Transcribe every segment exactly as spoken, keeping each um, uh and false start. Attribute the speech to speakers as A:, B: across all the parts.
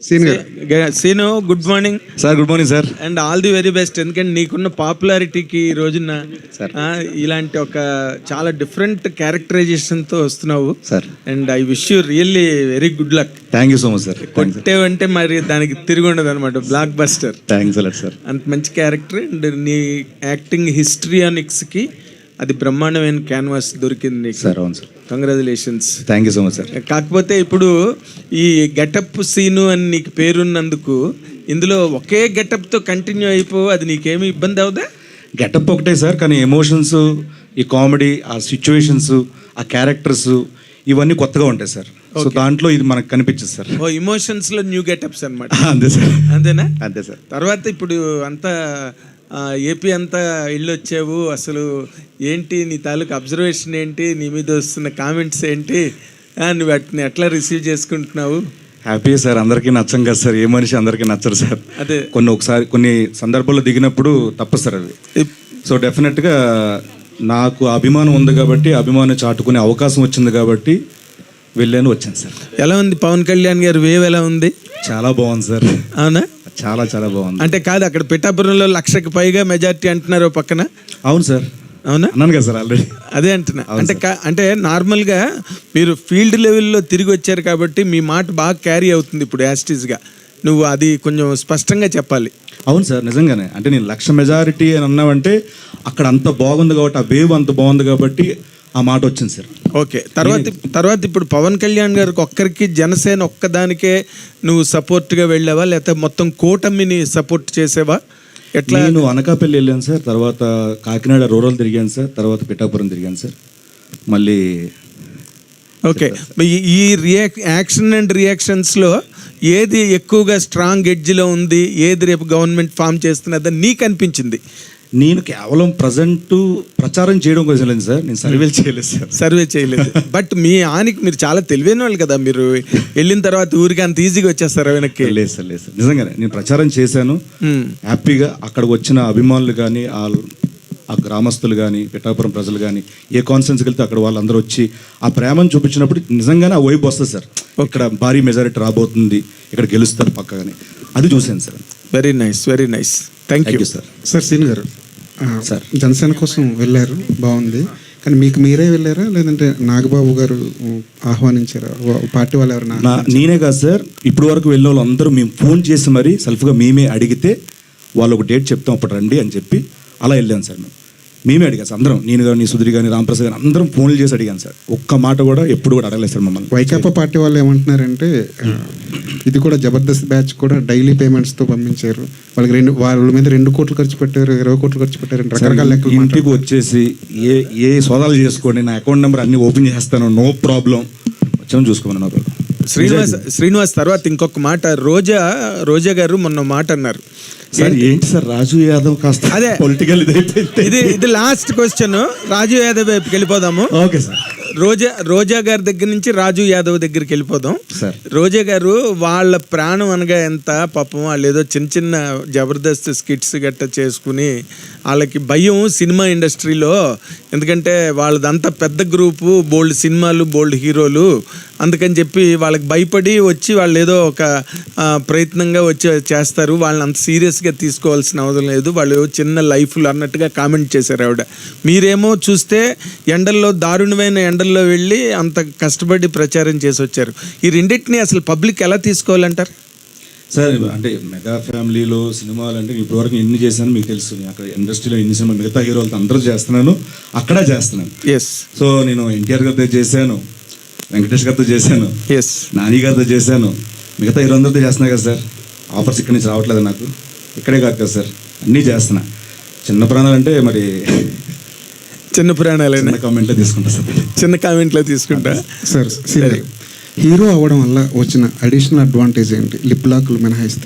A: Scene, good morning
B: sir. Good morning sir.
A: And all the very best. ఎందుకంటే నీకున్న పాపులారిటీకి ఈ రోజున ఇలాంటి ఒక చాలా డిఫరెంట్ క్యారెక్టరైజేషన్తో వస్తున్నావు
B: sir.
A: And I wish you really very good luck.
B: Thank you so much sir.
A: కొట్టేవంటే మరి దానికి తిరిగి ఉండదు అనమాట, blockbuster.
B: Thanks a lot sir.
A: అంత మంచి క్యారెక్టర్ అండ్ నీ యాక్టింగ్ హిస్టరియానిక్స్కి అది బ్రహ్మాండమైన క్యాన్వాస్ దొరికింది
B: సార్. అవును sir.
A: Congratulations.
B: Thank you so much sir.
A: కాకపోతే ఇప్పుడు ఈ గెటప్ సీను అని నీకు పేరున్నందుకు ఇందులో ఒకే గెటప్తో కంటిన్యూ అయిపో, అది నీకేమి ఇబ్బంది అవుదా?
B: గెటప్ ఒకటే సార్, కానీ ఎమోషన్స్, ఈ కామెడీ, ఆ సిచ్యువేషన్స్, ఆ క్యారెక్టర్స్ ఇవన్నీ కొత్తగా ఉంటాయి సార్. సో దాంట్లో ఇది మనకు కనిపించదు సార్.
A: ఓ ఇమోషన్స్లో న్యూ గెటప్స్ అనమాట.
B: అంతే సార్.
A: అంతేనా?
B: అంతే సార్.
A: తర్వాత ఇప్పుడు అంతా ఏపీ అంతా ఇల్లు వచ్చావు, అసలు ఏంటి నీ తాలూకు అబ్జర్వేషన్ ఏంటి, నీ మీద వస్తున్న కామెంట్స్ ఏంటి, నువ్వు వాటిని ఎట్లా రిసీవ్ చేసుకుంటున్నావు?
B: Happy sir. అందరికీ నచ్చం కదా సార్, ఏ మనిషి అందరికీ నచ్చరు సార్.
A: అదే
B: కొన్ని ఒకసారి కొన్ని సందర్భాల్లో దిగినప్పుడు తప్పు సార్ అది. సో డెఫినెట్గా నాకు అభిమానం ఉంది కాబట్టి, అభిమానం చాటుకునే అవకాశం వచ్చింది కాబట్టి వెళ్ళాను, వచ్చాను సార్.
A: ఎలా ఉంది పవన్ కళ్యాణ్ గారు వేవ్, ఎలా ఉంది?
B: చాలా బాగుంది సార్.
A: అవునా?
B: చాలా చాలా బాగుంది.
A: అంటే కాదు, అక్కడ పిఠాపురంలో లక్షకి పైగా మెజారిటీ అంటున్నారు పక్కన.
B: అవును సార్.
A: అవునా?
B: అన్నాను కదా సార్ ఆల్రెడీ.
A: అదే అంటున్నా. అంటే అంటే నార్మల్గా మీరు ఫీల్డ్ లెవెల్లో తిరిగి వచ్చారు కాబట్టి మీ మాట బాగా క్యారీ అవుతుంది ఇప్పుడు యాస్టీస్గా. నువ్వు అది కొంచెం స్పష్టంగా చెప్పాలి.
B: అవును సార్, నిజంగానే. అంటే నేను లక్ష మెజారిటీ అని అన్నావంటే అక్కడ అంత బాగుంది కాబట్టి, ఆ వేవ్ అంత బాగుంది కాబట్టి ఆ మాట వచ్చింది సార్.
A: ఓకే. తర్వాత తర్వాత ఇప్పుడు పవన్ కళ్యాణ్ గారికి ఒక్కరికి, జనసేన ఒక్కదానికే నువ్వు సపోర్ట్గా వెళ్ళావా, లేకపోతే మొత్తం కూటమిని సపోర్ట్ చేసేవా? ఎట్లా?
B: నేను అనకాపల్లి వెళ్ళాను సార్, తర్వాత కాకినాడ రూరల్ తిరిగాను సార్, తర్వాత పిఠాపురం తిరిగాను సార్, మళ్ళీ.
A: ఓకే. ఈ రియాక్ యాక్షన్ అండ్ రియాక్షన్స్లో ఏది ఎక్కువగా స్ట్రాంగ్ ఎడ్జ్లో ఉంది, ఏది రేపు గవర్నమెంట్ ఫామ్ చేస్తున్నదని నీకు అనిపించింది?
B: నేను కేవలం ప్రజెంట్ ప్రచారం చేయడం కోసం లేదు సార్, నేను సర్వే చేయలేదు సార్.
A: సర్వే చేయలేదు. బట్ మీ ఆనికి మీరు చాలా తెలివైన వాళ్ళు కదా, మీరు వెళ్ళిన తర్వాత ఊరికి అంత ఈజీగా వచ్చేస్తారు వెనక్కి?
B: లేదు సార్, లేదు సార్, నిజంగానే నేను ప్రచారం చేశాను హ్యాపీగా. అక్కడికి వచ్చిన అభిమానులు కానీ, ఆ గ్రామస్తులు కానీ, పిఠాపురం ప్రజలు కానీ, ఏ కాన్ఫరెన్స్కి వెళ్తే అక్కడ వాళ్ళందరూ వచ్చి ఆ ప్రేమను చూపించినప్పుడు నిజంగానే ఆ వైపు వస్తుంది సార్. ఇక్కడ భారీ మెజారిటీ రాబోతుంది, ఇక్కడ గెలుస్తారు పక్కగానే, అది చూశాను sir.
A: Very nice, very nice. Thank you sir.
C: Sir సీన్ గారు, సార్ జనసేన కోసం వెళ్ళారు, బాగుంది. కానీ మీకు మీరే వెళ్ళారా, లేదంటే నాగబాబు గారు ఆహ్వానించారా, పార్టీ వాళ్ళు ఎవరైనా?
B: నేనే కాదు సార్, ఇప్పుడు వరకు వెళ్ళిన వాళ్ళు అందరూ మేము ఫోన్ చేసి మరీ సెల్ఫ్గా మేమే అడిగితే వాళ్ళు ఒక డేట్ చెప్తాం అప్పుడు రండి అని చెప్పి అలా వెళ్ళాను సార్. మేము మేమే అడిగాను సార్, అందరం, నేను కానీ, సుధీర్ కానీ, రామప్రసాద్ కానీ అందరం ఫోన్లు చేసి అడిగాను సార్. ఒక్క మాట కూడా ఎప్పుడు కూడా అడగలేదు సార్ మమ్మల్ని.
C: వైకాపా పార్టీ వాళ్ళు ఏమంటున్నారంటే ఇది కూడా జబర్దస్త్ బ్యాచ్ కూడా డైలీ పేమెంట్స్తో పంపించారు, వాళ్ళకి రెండు వాళ్ళ మీద రెండు కోట్లు ఖర్చు పెట్టారు, ఇరవై కోట్లు ఖర్చు పెట్టారు, రకరకాల లెక్కలు.
B: ఇంటికి వచ్చేసి ఏ ఏ సోదాలు చేసుకోండి, నా అకౌంట్ నెంబర్ అన్ని ఓపెన్ చేస్తాను, నో ప్రాబ్లం, వచ్చాము చూసుకోమని. No problem.
A: శ్రీనివాస్ శ్రీనివాస్ తర్వాత ఇంకొక మాట, రోజా రోజా గారు మొన్న మాట అన్నారు
B: సార్. ఏంటి సార్, రాజు యాదవ్ కాస్త
A: అదే
B: పొలిటికల్ ఇది
A: ఇది లాస్ట్ క్వశ్చన్, రాజు యాదవ్ వైపుకి వెళ్ళిపోదాము.
B: Okay sir.
A: రోజా రోజా గారి దగ్గర నుంచి రాజు యాదవ్ దగ్గరికి వెళ్ళిపోదాం
B: సార్.
A: రోజా గారు వాళ్ళ ప్రాణం అనగా ఎంత పాపం, వాళ్ళు ఏదో చిన్న చిన్న జబర్దస్త్ స్కిట్స్ గట్ట చేసుకుని వాళ్ళకి భయం సినిమా ఇండస్ట్రీలో, ఎందుకంటే వాళ్ళదంతా పెద్ద గ్రూపు, బోల్డ్ సినిమాలు, బోల్డ్ హీరోలు, అందుకని చెప్పి వాళ్ళకి భయపడి వచ్చి వాళ్ళు ఏదో ఒక ప్రయత్నంగా వచ్చి చేస్తారు, వాళ్ళని అంత సీరియస్గా తీసుకోవాల్సిన అవసరం లేదు, వాళ్ళు చిన్న లైఫ్లు అన్నట్టుగా కామెంట్ చేశారు ఆవిడ. మీరేమో చూస్తే ఎండల్లో, దారుణమైన ఎండల్లో వెళ్ళి అంత కష్టపడి ప్రచారం చేసి వచ్చారు. ఈ రెండింటిని అసలు పబ్లిక్ ఎలా తీసుకోవాలంటారు
B: సార్? అంటే మెగా ఫ్యామిలీలో సినిమాలు అంటే ఇప్పటివరకు ఎన్ని చేశాను మీకు తెలుసు. అక్కడ ఇండస్ట్రీలో ఎన్ని సినిమా మిగతా హీరోలతో అందరూ చేస్తున్నాను, అక్కడ చేస్తున్నాను.
A: ఎస్.
B: సో నేను ఎన్టీఆర్ గారితో చేశాను, వెంకటేష్ గారితో చేశాను,
A: ఎస్,
B: నాని గారితో చేశాను, మిగతా హీరో అందరితో చేస్తున్నా కదా సార్. ఆఫర్స్ ఇక్కడి నుంచి రావట్లేదు నాకు, ఇక్కడే కాదు కదా సార్, అన్నీ చేస్తున్నా. చిన్న ప్రాణాలు అంటే మరి
A: చిన్న ప్రాణాలైనా
B: కామెంట్లో తీసుకుంటా సార్,
A: చిన్న కామెంట్లో తీసుకుంటా
C: సార్. సరే, హీరో అవ్వడం వల్ల వచ్చిన అడిషనల్ అడ్వాంటేజ్ ఏంటి, లిప్ లాక్లు మినహాయిస్తే?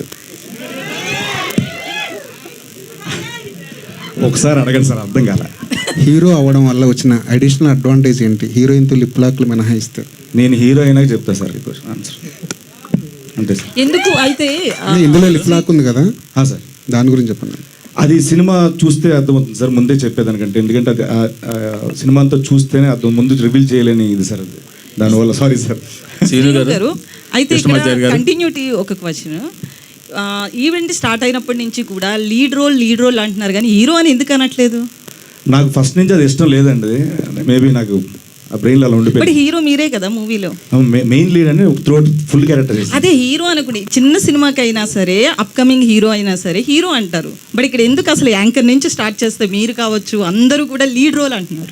B: ఒకసారి అడగండి సార్, అర్థం కాల.
C: హీరో అవ్వడం వల్ల వచ్చిన అడిషనల్ అడ్వాంటేజ్ ఏంటి, హీరోయిన్తో లిప్ లాక్లు మినహాయిస్తే?
B: నేను హీరో అయినా చెప్తా సార్ ఈ క్వశ్చన్ ఆన్సర్. అంతే సార్.
D: ఎందుకు అయితే
C: ఇందులో లిప్ లాక్ ఉంది కదా
B: సార్,
C: దాని గురించి చెప్పండి.
B: అది సినిమా చూస్తే అర్థమవుతుంది సార్, ముందే చెప్పేదానికంటే. ఎందుకంటే అది సినిమా అంతా చూస్తేనే అర్థం, ముందు రివీల్ చేయలేని ఇది సార్. అది దానివల్ల సారీ సార్.
D: శ్రీను గారు అయితే
A: కృష్ణమాచారి
D: ఇక్కడ
A: గారు.
D: కంటిన్యూటీ ఒక క్వశ్చన్, ఈవెంట్ స్టార్ట్ అయినప్పటి నుంచి కూడా లీడ్ రోల్ లీడ్ రోల్ అంటున్నారు కానీ హీరో అని ఎందుకు అనట్లేదు?
B: నాకు ఫస్ట్ నుంచి అది ఇష్టం లేదండి. మేబీ నాకు ఆ బ్రెయిన్లో అలా
D: బట్
B: ఉండిపోయింది.
D: హీరో మీరే కదా మూవీలో,
B: మెయిన్ లీడ్ అని త్రూఅవుట్ ఫుల్ క్యారెక్టర్ చేసి
D: అదే హీరో అనుకుని చిన్న సినిమాకి అయినా సరే అప్కమింగ్ హీరో అయినా సరే హీరో అంటారు. బట్ ఇక్కడ ఎందుకు అసలు యాంకర్ నుంచి స్టార్ట్ చేస్తే మీరు కావచ్చు అందరూ కూడా లీడ్ రోల్ అంటున్నారు?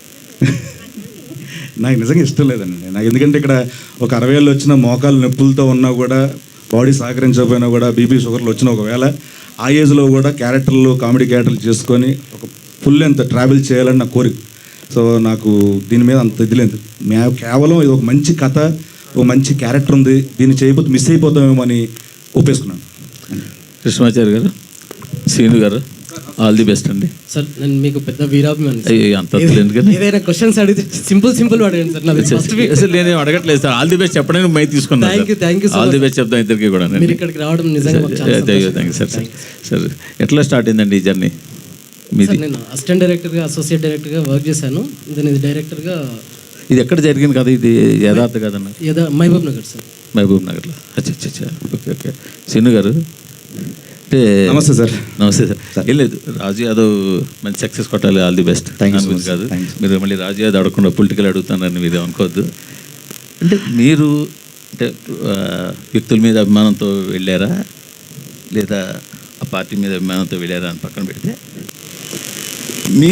B: నాకు నిజంగా ఇష్టం లేదండి నాకు. ఎందుకంటే ఇక్కడ ఒక అరవై ఏళ్ళు వచ్చిన మోకాలు నొప్పులతో ఉన్నా కూడా, బాడీ సహకరించకపోయినా కూడా, బీపీ షుగర్లు వచ్చిన ఒకవేళ ఆ ఏజ్లో కూడా క్యారెక్టర్లు కామెడీ క్యారెక్టర్లు చేసుకొని ఒక ఫుల్ ఎంత ట్రావెల్ చేయాలని నా కోరిక. సో నాకు దీని మీద అంత ఇది లేదు. మే కేవలం ఇది ఒక మంచి కథ, ఒక మంచి క్యారెక్టర్ ఉంది, దీన్ని చేయకపోతే మిస్ అయిపోతామేమో అని ఒప్పేసుకున్నాను.
E: కృష్ణమాచారి గారు, శ్రీను గారు, ఆల్ ది బెస్ట్ అండి.
F: సార్ నేను మీకు పెద్ద వీరాభిమాని సార్.
E: అయ్యో అంత ఎందుకని
F: ఏదైనా క్వశ్చన్స్ అడిగితే సింపుల్ సింపుల్ అడగండి సార్. నాది ఫస్ట్ వీక్.
E: అసలు నేనేం అడగట్లేదు సార్, ఆల్ ది బెస్ట్ చెప్పడానికి మై తీసుకున్నాను.
F: Thank you, thank you so
E: all the
F: much.
E: Best చెప్తాం ఇద్దరికి కూడా.
F: మీరు ఇక్కడికి రావడం నిజంగా మాకు చాలా
E: థ్యాంక్ యూ
F: సంతోషం.
E: సార్. సార్ ఎట్లా స్టార్ట్ అయిందండి ఈ జర్నీ మీది?
F: సార్ నేను అసిస్టెంట్ డైరెక్టర్గా అసోసియేట్ డైరెక్టర్గా వర్క్ చేశాను. నేను ఇది డైరెక్టర్గా
E: ఇది ఎక్కడ జరిగింది కదా, ఇది యథార్థ కదన్న?
F: ఏదో మహబూబ్ నగర్ సార్.
E: మహబూబ్ నగర్లో. అచ్చా అచ్చా అచ్చా ఓకే ఓకే. శ్రీను గారు అంటే
B: నమస్తే సార్.
E: నమస్తే సార్. ఏం లేదు, రాజు యాదవ్ మంచి సక్సెస్ కొట్టాలి, all the best.
B: Thank you so
E: అనుకుంది
B: much,
E: కాదు,
B: thank you.
E: మీరు మళ్ళీ రాజు యాదవ్ అడగకుండా పొలిటికల్ అడుగుతానని మీరు అనుకోవద్దు. అంటే మీరు అంటే ఆ, వ్యక్తుల మీద అభిమానంతో వెళ్ళారా లేదా ఆ పార్టీ మీద అభిమానంతో వెళ్ళారా అని పక్కన పెడితే మీ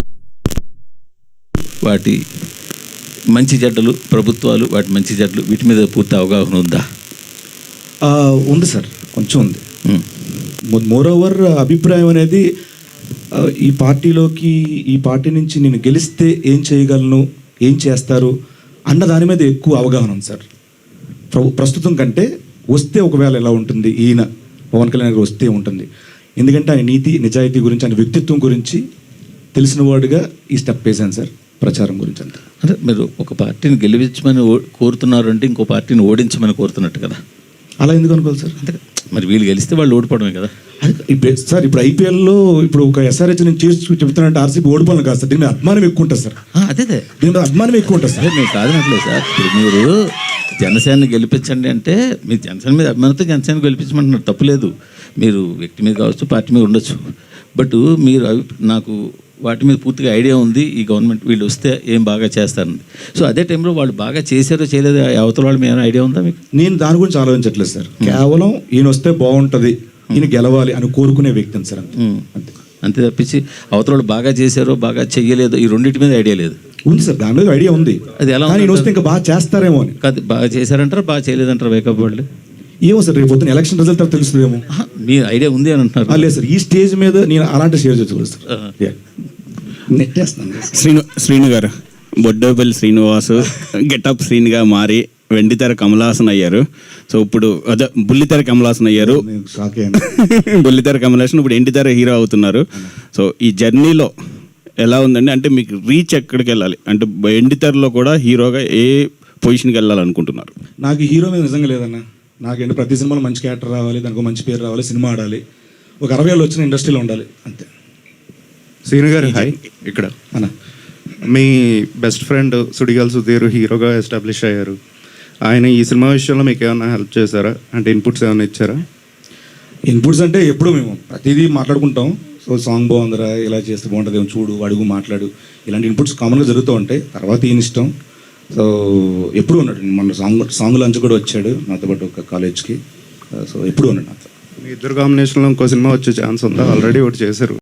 E: వాటి మంచి చెడ్డలు, ప్రభుత్వాలు వాటి మంచి చెడ్డలు వీటి మీద పూర్తి అవగాహన ఉందా?
B: ఆ, ఉంది సార్, కొంచెం ఉంది.
E: ఉమ్.
B: మోర్ ఓవర్ అభిప్రాయం అనేది ఆ, ఈ పార్టీలోకి ఈ పార్టీ నుంచి నేను గెలిస్తే ఏం చేయగలను, ఏం చేస్తారు అన్న దాని మీద ఎక్కువ అవగాహన ఉంది సార్. ప్ర- ప్రస్తుతం కంటే వస్తే ఒకవేళ ఎలా ఉంటుంది, ఈయన పవన్ కళ్యాణ్ గారు వస్తే ఉంటుంది. ఎందుకంటే ఆయన నీతి నిజాయితీ గురించి, ఆయన వ్యక్తిత్వం గురించి తెలిసిన వాడుగా ఈ స్టెప్ వేశాను సార్, ప్రచారం గురించి అంతే.
E: అంటే మీరు ఒక పార్టీని గెలిపించమని ఓ- కోరుతున్నారు అంటే ఇంకో పార్టీని ఓడించమని కోరుతున్నట్టు కదా.
B: అలా ఎందుకు అనుకోవాలి సార్?
E: అంతే కదా. మరి వీళ్ళు గెలిస్తే వాళ్ళు ఓడిపోవడమే కదా.
B: అది ఇప్పుడు సార్ ఇప్పుడు ఐపీఎల్లో ఇప్పుడు ఒక ఎస్ఆర్హెచ్ నేను చేసి చెప్తున్నానంటే ఆర్సీబీ ఓడిపోవాలి కాదు సార్, దీని మీద అభిమానం ఎక్కువ ఉంటుంది సార్.
E: ఆ, అదే అదే
B: దీని మీద అభిమానం ఎక్కువ ఉంటుంది సార్.
E: అదే మీరు కాదనట్లేదు సార్. ఇప్పుడు మీరు జనసేనని గెలిపించండి అంటే మీరు జనసేన మీద అభిమానంతో జనసేన గెలిపించమంటున్నారు, తప్పులేదు. మీరు వ్యక్తి మీద కావచ్చు, పార్టీ మీద ఉండొచ్చు. బట్ మీరు అవి నాకు వాటి మీద పూర్తిగా ఐడియా ఉంది, ఈ గవర్నమెంట్ వీళ్ళు వస్తే ఏం బాగా చేస్తారని. సో అదే టైంలో వాళ్ళు బాగా చేశారో చేయలేదో అవతల వాళ్ళు ఏమైనా ఐడియా ఉందా మీకు?
B: నేను దాని గురించి ఆలోచించట్లేదు సార్. కేవలం ఈయన వస్తే బాగుంటుంది, ఈయన గెలవాలి అని కోరుకునే వ్యక్తిని సార్ అంతే.
E: ఉమ్.
B: అంతే
E: అంతే తప్పించి అవతల వాళ్ళు బాగా చేశారో బాగా చెయ్యలేదో ఈ రెండింటి మీద ఐడియా లేదు.
B: ఉంది సార్, దాని మీద ఐడియా ఉంది.
E: అది ఎలా
B: కానీ ఈయన
E: ఉంది?
B: వస్తే ఇంకా బాగా చేస్తారేమో అని.
E: కాదు, బాగా చేశారంటారా బాగా చేయలేదంటారా వేకప్ వాళ్ళు?
B: ఏమో సార్, రేపు పొద్దున ఎలక్షన్ రిజల్ట్ తర్వాత తెలుస్తుందేమో.
E: ఆహా, మీ ఐడియా ఉంది అని అంటున్నారు.
B: ఆ, లేదు సార్, ఈ స్టేజ్ మీద నేను అలాంటి షేర్ చేసుకోలేదు సార్.
E: ఆహా.
B: Yeah. నెట్టేస్తాను.
G: శ్రీను శ్రీను గారు బొడ్డోపల్లి శ్రీనివాసు గెటప్ శ్రీనిగా మారి వెండితెర కమలాసన్ అయ్యారు. సో ఇప్పుడు అదే బుల్లితెర కమలాసన్ అయ్యారు.
B: నేను షాక్ అయ్యాను.
G: బుల్లితెర కమలాసన్ ఇప్పుడు ఎండితెర హీరో అవుతున్నారు. సో ఈ జర్నీలో ఎలా ఉందండి? అంటే మీకు రీచ్ ఎక్కడికి వెళ్ళాలి అంటే ఎండితెరలో కూడా హీరోగా ఏ పొజిషన్కి వెళ్ళాలనుకుంటున్నారు?
B: నాకు హీరో మీద నిజంగా లేదన్న. నాకేంటి ప్రతి సినిమాలో మంచి క్యారెక్టర్ రావాలి, దానికి ఒక మంచి పేరు రావాలి, సినిమా ఆడాలి, ఒక అరవై ఏళ్ళు వచ్చిన ఇండస్ట్రీలో ఉండాలి అంతే.
H: శ్రీను గారు హాయ్. ఇక్కడ
B: అన్న
H: మీ బెస్ట్ ఫ్రెండ్ సుడిగాల్ సుధీర్ హీరోగా ఎస్టాబ్లిష్ అయ్యారు. ఆయన ఈ సినిమా విషయంలో మీకు ఏమైనా హెల్ప్ చేశారా? అంటే ఇన్పుట్స్ ఏమైనా ఇచ్చారా?
B: ఇన్పుట్స్ అంటే ఎప్పుడు మేము ప్రతిదీ మాట్లాడుకుంటాం. సో సాంగ్ బాగుందిరా, ఇలా చేస్తే బాగుంటుంది, ఏమో చూడు, అడుగు, మాట్లాడు, ఇలాంటి ఇన్పుట్స్ కామన్గా జరుగుతూ ఉంటాయి. తర్వాత ఈయన ఇష్టం. సో ఎప్పుడు ఉన్నాడు, మన సాంగ్ సాంగ్ లంచ్ కూడా వచ్చాడు నాతో పాటు ఒక కాలేజ్కి. సో ఎప్పుడు ఉన్నాడు నాతో.
H: మీ ఇద్దరు కాంబినేషన్లో ఇంకో సినిమా వచ్చే ఛాన్స్ ఉందా? ఆల్రెడీ ఒకటి చేశారు.